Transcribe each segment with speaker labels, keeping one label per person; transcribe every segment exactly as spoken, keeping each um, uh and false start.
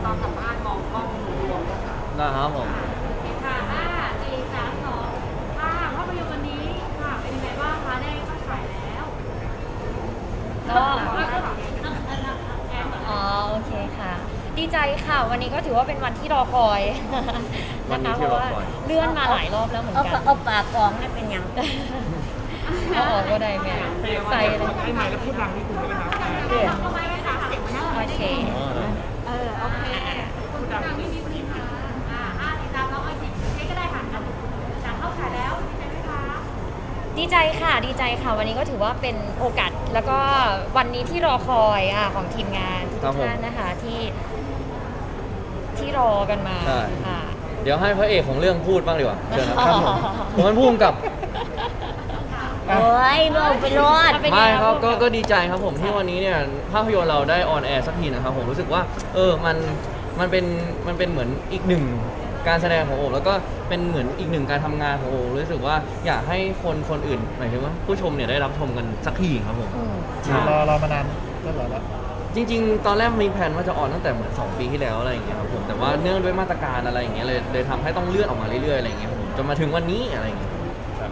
Speaker 1: ตอนสัมภาษณ์มองกล้องรวมๆค่ะ
Speaker 2: นะครับผม
Speaker 3: ค่ะห้าสี่สามสองค่ะภาพยนตร์วันนี้ค่ะเป็นยังไงบ้างคะได้เข้าฉายแล้วก็
Speaker 4: อ๋อโอเคค่ะ ดีใจค่ะวันนี้ก็ถือว่าเป็นวันที่รอคอย
Speaker 2: วันนี้
Speaker 4: นะคะเพ
Speaker 2: ที่
Speaker 4: ราะ
Speaker 2: รอ
Speaker 4: ว่า
Speaker 2: คอย
Speaker 4: เลื่อนมาหลายรอบแล้วเหมือน
Speaker 5: เอา
Speaker 4: กัน
Speaker 5: เอาปากกองนั่นเป็นยัง
Speaker 4: เอาออกก็ได้แม่ใส่เลย
Speaker 1: ไอ้ไม้แล้วพูดดังนี่คุณได้ไหมครับ
Speaker 5: เดี๋ยว
Speaker 3: ทำไมไม่คะเสียงมันน่า
Speaker 4: โอเค
Speaker 3: เออโอเคคุณดังไม่มีปัญหาอ่าห้าสี่สามสองเอาสิใช้ก็ได้ค่ะจากเข้าฉายแล้วดีใจไหมคะ
Speaker 4: ดีใจค่ะดีใจค่ะวันนี้ก็ถือว่าเป็นโอกาสแล้วก็วันนี้ที่รอคอยอ่ะของทีมงานทุ
Speaker 2: ครั
Speaker 4: ก
Speaker 2: บผม
Speaker 4: ท่านนะคะที่ที่รอกันมา
Speaker 2: ใช่
Speaker 4: ค่ะ
Speaker 2: เดี๋ยวให้พระเอกของเรื่องพูดบ้างดีกว่าเชิญนะครับผมผมเป็นผู้กำกับ
Speaker 5: โอ้ยเราไปรอด
Speaker 4: เป็น
Speaker 2: ไม่
Speaker 4: ง
Speaker 2: ครับก็
Speaker 4: ผู้กำ
Speaker 2: ก็ดีใจครับผมที่วันนี้เนี่ยภาพยนตร์เราได้ออนแอร์สักทีนะครับผมรู้สึกว่าเออมันมันเป็นมันเป็นเหมือนอีกหนึ่งการแสดงของโอแล้วก็เป็นเหมือนอีกหนึ่งการทำงานของโอรู้สึกว่าอยากให้คนคนอื่นหมายถึงว่าผู้ชมเนี่ยได้รับชมกันสักทีครับผม
Speaker 4: อืม
Speaker 6: รอรอมานานก็รอแล้ว
Speaker 2: จริงๆ ตอนแรกมีแผนว่าจะออนตั้งแต่เหมือนสองปีที่แล้วอะไรอย่างเงี้ยครับผมแต่ว่าเนื่องด้วยมาตรการอะไรอย่างเงี้ยเลยเลยทำให้ต้องเลื่อนออกมาเรื่อยๆอะไรอย่างเงี้ยครับผมจนมาถึงวันนี้อะไรอย่างเงี้ย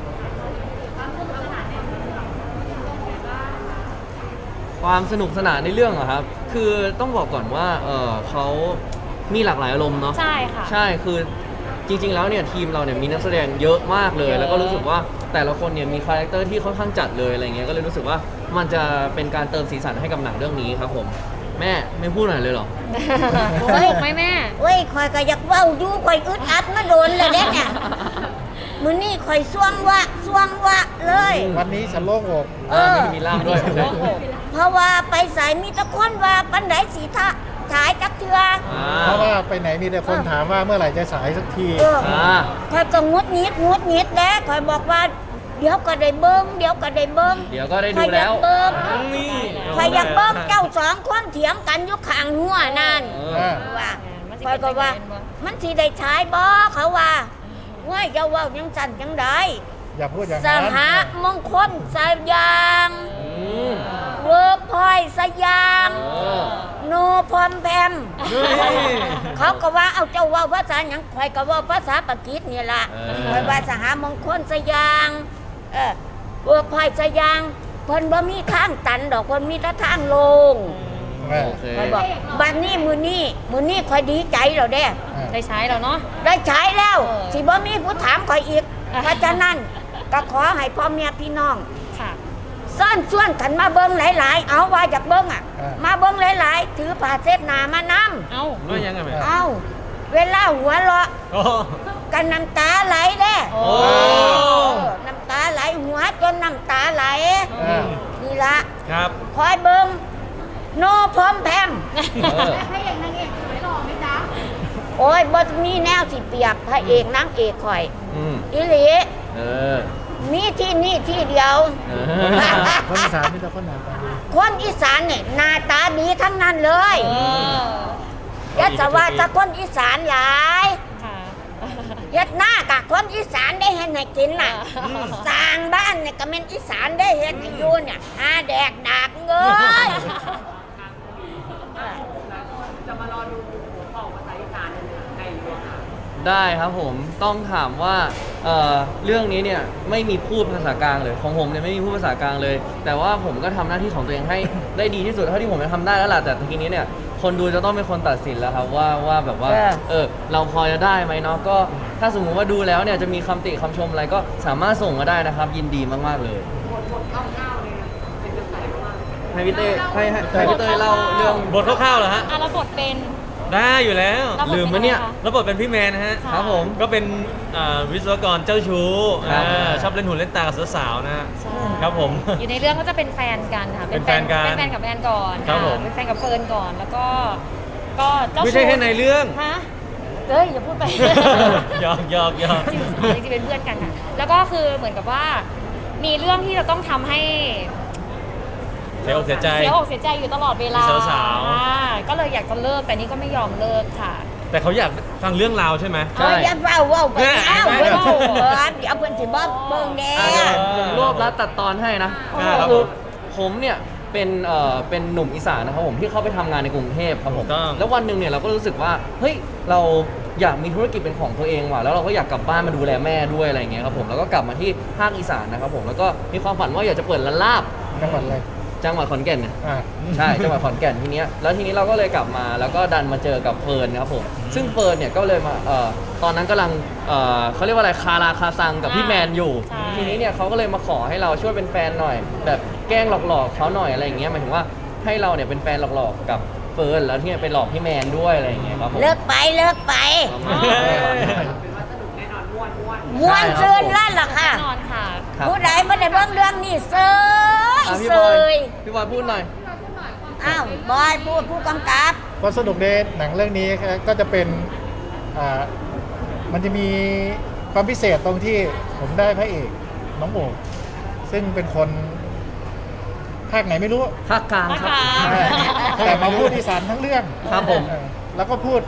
Speaker 2: ความสนุกสนานในเรื่องอะครับคือต้องบอกก่อนว่าเออเขามีหลากหลายอารมณ์เนาะ
Speaker 4: ใช่ค่ะ
Speaker 2: ใช่คือจริงๆแล้วเนี่ยทีมเราเนี่ยมีนักแสดงเยอะมากเลย
Speaker 4: เยอะ
Speaker 2: แล้วก็รู้สึกว่าแต่ละคนเนี่ยมีคาแรคเตอร์ที่ค่อนข้างจัดเลยอะไรเงี้ยก็เลยรู้สึกว่ามันจะเป็นการเติมสีสันให้กับหนังเรื่องนี้ครับผมแม่ไม่พูดหน่อยเลยเหรอ
Speaker 4: สนุกไหมแม่
Speaker 5: เว้ยคอยก็อยากเว้าอยู่คอยอึดอัดมาโดนเลยเด้เนี่ยมื้อนี้คอยส่วงวะส่วงวะเลย
Speaker 6: วันนี้ฉันโล่งอก
Speaker 5: เออ
Speaker 2: นี่มีล่ามด้วย
Speaker 4: โอ้โห
Speaker 5: เพราะว่าไปสายมีแตะคนว่าปันไดสีทะฉายจักเทือ
Speaker 2: อ่า
Speaker 6: เพราะว่าไปไหนมีแต่คนถามว่าเมื่อไหร่จะฉายสักที
Speaker 5: เออ
Speaker 2: อ่า
Speaker 5: คอยก็งดงิดงดงิดแล้วคอยบอกว่าเดี๋ยวก็ได้เบิ้งเดี๋ยวก็ได้เบิ้ง
Speaker 2: เดี๋ยวก็ได้
Speaker 5: ค
Speaker 2: ดู
Speaker 5: อยอยา
Speaker 2: แล้
Speaker 5: ก
Speaker 2: ว
Speaker 5: เบิ้ง
Speaker 2: นี่
Speaker 5: คอยอยากเบิ้งเจ้าสองคนเถียงกันอยู่ข้างหัวนั่น
Speaker 2: เออ
Speaker 5: ว่า
Speaker 4: มันสิ
Speaker 5: คอยก็ว่า
Speaker 4: เป็นจังไงบ่
Speaker 5: มันสิได้ใช้บ่เขาว่าว่าจะว่าจังสั่นจังได
Speaker 6: อย่าพูดอย่าง
Speaker 5: ส
Speaker 6: นั้น
Speaker 5: หมงคลสยาง
Speaker 2: อืม
Speaker 5: เวิร์กพอยสยาง
Speaker 2: เออ
Speaker 5: โนพอมแพม
Speaker 2: นี่
Speaker 5: เขาก็ว่าเอาเจ้าว่าภาษาหยังคอยก็ว่าภาษาปากีสนี่ล่ะ
Speaker 2: เออ
Speaker 5: คอยว่าสหมงคลสยางเออเวิร์กพอยสยางเพิ่นบ่มีทางตันดอกเพิ่นมีแต่ทางลง
Speaker 6: เออ
Speaker 2: โอเค
Speaker 5: คอยบอกบัดนี้มื้อนี้มื้อนี้คอยดีใจแล้วเด้
Speaker 4: ได้ใช้แล้วเนาะ
Speaker 5: ได้ใช้แล้ว
Speaker 4: เออ
Speaker 5: สิบ่มีผู้ถามคอยอีก เพราะฉะนั้นก็ขอให้พ่อแม่พี่น้อง
Speaker 4: ค่ะ
Speaker 5: ซ่อนส่วนกันมาเบิ้งหลาย ๆ เอาว่าจากเบิ้งอ่ะ
Speaker 6: อ่าม
Speaker 5: มาเบิ้งหลาย ๆ ถือผ้าเช็ดหน้ามานำ
Speaker 4: เอ้า
Speaker 2: ว่ายังไงแม่
Speaker 5: เอาเวลาหัวเราะ
Speaker 2: โอ้
Speaker 5: กันน้ำตาไหลเด้
Speaker 4: โอ้
Speaker 5: เออน้ำตาไหลหัวจนน้ำตาไหล
Speaker 6: เออ
Speaker 5: นี่ละ
Speaker 2: ครับ
Speaker 5: คอยเบิ้งโนพร้อมแพม
Speaker 2: เออ
Speaker 3: พระเอกนางเอกสวยหล่อไหมจ๊ะ
Speaker 5: โอ้ยบ่มีแนวสิเปียกพระเอกนางเอกคอย
Speaker 2: อืม
Speaker 5: อิหลี
Speaker 2: เออ
Speaker 5: มีที่นี่ที่เดียว
Speaker 2: เอ
Speaker 6: คนอีสานมีแต่คนหนาตาดี
Speaker 5: คนอีสานเนี่ยหน้าตาดีทั้งนั้นเลย
Speaker 4: เออ
Speaker 5: ยัดสว่าจะคนอีสานหลาย
Speaker 4: ค่ะ
Speaker 5: ยัดหน้ากะคนอีสานได้เห็นให้กินน่ะสร้างบ้านเนี่ยก็เป็นอีสานได้เห็นให้อยู่เนี่ยหาแดกดากเงย
Speaker 1: จะมารอดูหัวเป่าภาษาอีสานในหลวงค่ะ
Speaker 2: ได้ครับผมต้องถามว่าเอ่อเรื่องนี้เนี่ยไม่มีพูดภาษากลางเลยของผมเนี่ยไม่มีพูดภาษากลางเลย แต่ว่าผมก็ทำหน้าที่ของตัวเองให้ ได้ดีที่สุดเท่าที่ผมจะทำได้แล้วล่ะแต่ทีนี้เนี่ยคนดูจะต้องเป็นคนตัดสินแล้วครับว่าว่าแบบว่าเออเราพอจะได้ไหมเนาะก็ถ้าสมมุติว่าดูแล้วเนี่ยจะมีคำติคำชมอะไรก็สามารถส่งมาได้นะครับ ยินดีมากๆเลย
Speaker 1: บทบทคร่าวๆเลยนะเป็นกระแสมาก
Speaker 2: ให้พี่เต้ให้ให้ให้พี่เต้เล่าเรื่อง
Speaker 7: บทคร่าวๆเหรอฮะ
Speaker 4: อ่ะแล้วบทเป็น
Speaker 7: ได้อยู่แล้ว
Speaker 4: รับบท
Speaker 2: ลืมปะเนี่ย
Speaker 4: ป็
Speaker 7: แล้วบทเป็นพี่แมนนะฮะ
Speaker 4: ค่ะ
Speaker 2: ครับผม
Speaker 7: ก็เป็นอ่าวิศวกรเจ้าชู้
Speaker 2: ครับ
Speaker 7: อ่าชอบเล่นหุ่นเล่นตากับสาวๆนะฮะ
Speaker 4: ใช่
Speaker 7: ครับผม
Speaker 4: อยู่ในเรื่องก็จะเป็นแฟนกันค่ะ
Speaker 7: เป็นแฟนกัน
Speaker 4: เป็นแฟนกับแฟนก่อน
Speaker 7: ครับผม
Speaker 4: เป็นแฟนกับเฟิร์นก่อนแล้วก็ก็เจ้า
Speaker 7: ไม่ใช่แค่ในเรื่อง
Speaker 4: ฮะเฮ้ยอย่าพูดไป
Speaker 7: หยอกหยอกหยอก
Speaker 4: จริงๆจริงๆเป็นเพื่อนกันค่ะแล้วก็คือเหมือนกับว่ามีเรื่องที่เราต้องทำให้
Speaker 7: เสียอกเสียใจ
Speaker 4: เสียอกเสียใจอยู่ตลอดเวลา
Speaker 7: มีสาวๆ
Speaker 4: อ่ก็เลยอยากจะเลิกแต่นี่ก็ไม่ยอมเลิกค่ะ
Speaker 7: แต่เขาอยากฟังเรื่องราวใช่ไหม
Speaker 2: ใช่
Speaker 5: เอาอย่าเฝ้าเว้าไปแล้ว
Speaker 7: แม่
Speaker 5: เว้ยเออเดี๋ยวเพิ่นสิบ่เบิ่งแน่
Speaker 2: อ่ะเดี๋ยวผมรวบรัดตัดตอนให้นะ
Speaker 7: อ่าครับ
Speaker 2: คือผมเนี่ยเป็นเอ่อเป็นหนุ่มอีสานนะครับผมที่เข้าไปทำงานในกรุงเทพครับผม
Speaker 7: ถูกต้อง
Speaker 2: แล้ววันหนึ่งเนี่ยเราก็รู้สึกว่าเฮ้ยเราอยากมีธุรกิจเป็นของตัวเองว่ะแล้วเราก็อยากกลับบ้านมาดูแลแม่ด้วยอะไรอย่างเงี้ยครับผมแล้วก็กลับมาที่ภาคอีสานนะครับผมแล้วก็มีความฝันว่าอยากจะเปิดร้านลาบ
Speaker 6: จังหวัดอะไร
Speaker 2: จังหวัดขอนแก่นเนี่ย
Speaker 6: อ่า
Speaker 2: ใช่ จังหวัดขอนแก่นทีเนี้ยแล้วทีนี้เราก็เลยกลับมาแล้วก็ดันมาเจอกับเฟิร์นนะครับผมซึ่งเฟิร์นเนี่ยก็เลยมาเอ่อตอนนั้นกำลังเอ่อเขาเรียกว่าอะไรคาราคาซังกับพี่แมนอยู่
Speaker 4: ใช่
Speaker 2: ทีนี้เนี่ยเขาก็เลยมาขอให้เราช่วยเป็นแฟนหน่อย แบบแกล้งหลอกๆเขาหน่อยอะไรอย่างเงี้ยหมายถึงว่าให้เราเนี่ยเป็นแฟนหลอกๆกับเฟิร์นแล้วที่เนี่ยไปหลอกพี่แมนด้วยอะไรอย่างเงี้ยครับผม
Speaker 5: เลิกไปเลิกไป
Speaker 2: ประมาณนั้น
Speaker 1: เป็นว่าสนุกแน่นอนม่วนม่วน
Speaker 5: ม้วนซื่นลั่นล่ะค่ะ
Speaker 4: แน่นอนค่ะ
Speaker 2: ครับ
Speaker 5: ผู้ใดไม่ได้เบิ่งเรื่องนี้เซย
Speaker 2: อ่ะพี่
Speaker 5: เซ
Speaker 2: บอย
Speaker 5: ย
Speaker 2: พี่บอยพูดหน่อย
Speaker 5: อ้าวบอยพูดผู้กำกับ
Speaker 6: ความสนุกในหนังเรื่องนี้ก็จะเป็นอ่ามันจะมีความพิเศษตรงที่ผมได้พระเอกน้องโอบซึ่งเป็นคนภาคไหนไม่รู้
Speaker 2: ภาคกลางครับ
Speaker 4: ภาคกลาง
Speaker 6: แต่มาพูดอีสานทั้งเรื่อง
Speaker 2: ครับผม
Speaker 6: เออแล้วก็พูด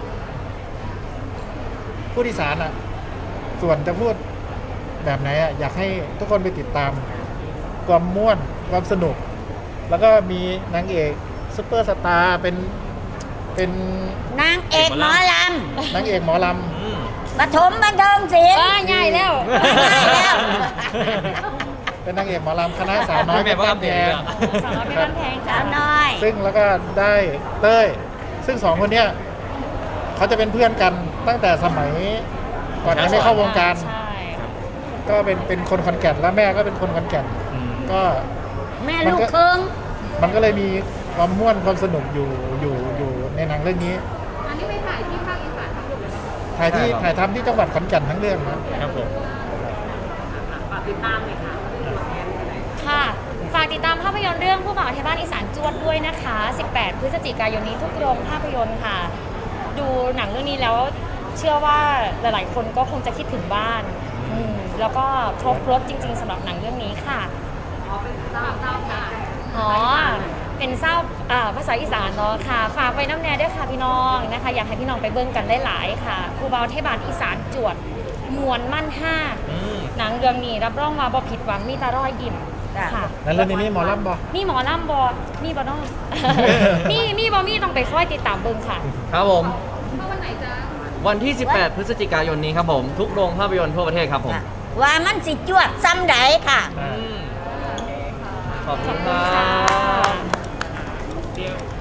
Speaker 6: พูดอีสานอ่ะ ส่วนจะพูดแบบไหนอ่ะอยากให้ทุกคนไปติดตาม ความม่วนความสนุก แล้วก็มีนางเอกซุปเปอร์สตาร์เป็นเป็น
Speaker 5: นางเอกหมอล
Speaker 6: นางเอกหมอล
Speaker 7: อืม
Speaker 5: ำปฐมบันเทิงศิลป์
Speaker 4: ว้าง่ายแล้ว
Speaker 5: ง่ายแล้ว
Speaker 6: ำเป็นนางเอกหมอลำคณะสาวน้อย
Speaker 7: แม่บอก
Speaker 6: บ้า
Speaker 7: อั
Speaker 6: น
Speaker 7: ป
Speaker 6: แพ
Speaker 7: เดตเลย
Speaker 6: ง
Speaker 7: อะ
Speaker 4: สาวน้อยเป็นบ้านแพง
Speaker 5: สา
Speaker 4: ค่ะ
Speaker 5: วน้อย
Speaker 6: ซึ่งแล้วก็ได้เต้ย ซึ่งสองคนเนี้ยเขาจะเป็นเพื่อนกันตั้งแต่สมัยก่อนยังไม่เข้าวงการ
Speaker 4: ใช่
Speaker 6: ก็เป็นเป็นคนขอนแก่นแล้วแม่ก็เป็นคนขอนแก่น
Speaker 7: อืม
Speaker 6: ก็
Speaker 5: แม่ลูกครึ่ง
Speaker 6: มันก็เลยมีความม่วนความสนุกอยู่อยู่อยู่ในหนังเรื่องนี้
Speaker 3: อันนี้ไปถ่ายที่ภาคอีสานทั้งหมดเลย
Speaker 6: ถ่ายที่
Speaker 2: ใช่ครับ
Speaker 6: ถ่ายทำที่จังหวัดขอนแก่นทั้งเรื่องนะครับ
Speaker 7: ผม
Speaker 1: ฝากติดตามเลยค่ะตัวแทนอะไร
Speaker 4: ค่ะ ฝากติดตามภาพยนตร์เรื่องผู้บ่าวไทยบ้านอีสานจวดด้วยนะคะ สิบแปด พฤศจิกายนนี้ทุกโรงภาพยนตร์ค่ะ ดูหนังเรื่องนี้แล้วเชื่อว่าหลายๆ คนก็คงจะคิดถึงบ้านอืมแล้วก็ครบรถจริง ๆสำหรับหนังเรื่องนี้ค่ะ
Speaker 1: อ๋อเป็นเศร้าเศร้าค่ะ
Speaker 4: อ๋อ เป็นเศร้าอ่าภาษาอีสานเนาะค่ะ ฝากไปน้ำแน่ด้วยค่ะพี่น้องนะคะ อยากให้พี่น้องไปเบิ่งกันได้หลายๆค่ะครูบาวเทศบาลอีสานจวดมวลมั่นห้า
Speaker 7: อืม
Speaker 4: หนังเรื่องนี้รับรองว่าบ่ผิดหวังมีแตารอยยิ้มค่ะ
Speaker 6: แล้วเรื่องนี้มีหมอลำบ่
Speaker 4: มีหมอลำบอมีบ่น้อง มีมีบ่มีต้องไปคอยติดตามเบิ่งค่ะ
Speaker 2: ครับผม
Speaker 3: เข้าวันไหนจ๊ะ
Speaker 2: วันที่ สิบแปด พฤศจิกายนนี้ครับผม ทุกโรงภาพยนตร์ทั่วประเทศครับผม
Speaker 5: ว่ามันสิจวดซ้ำใดค่ะ
Speaker 7: อืม
Speaker 2: ขอบคุณค
Speaker 4: ขอบคุณ
Speaker 2: รั
Speaker 4: ค่ะ
Speaker 2: บ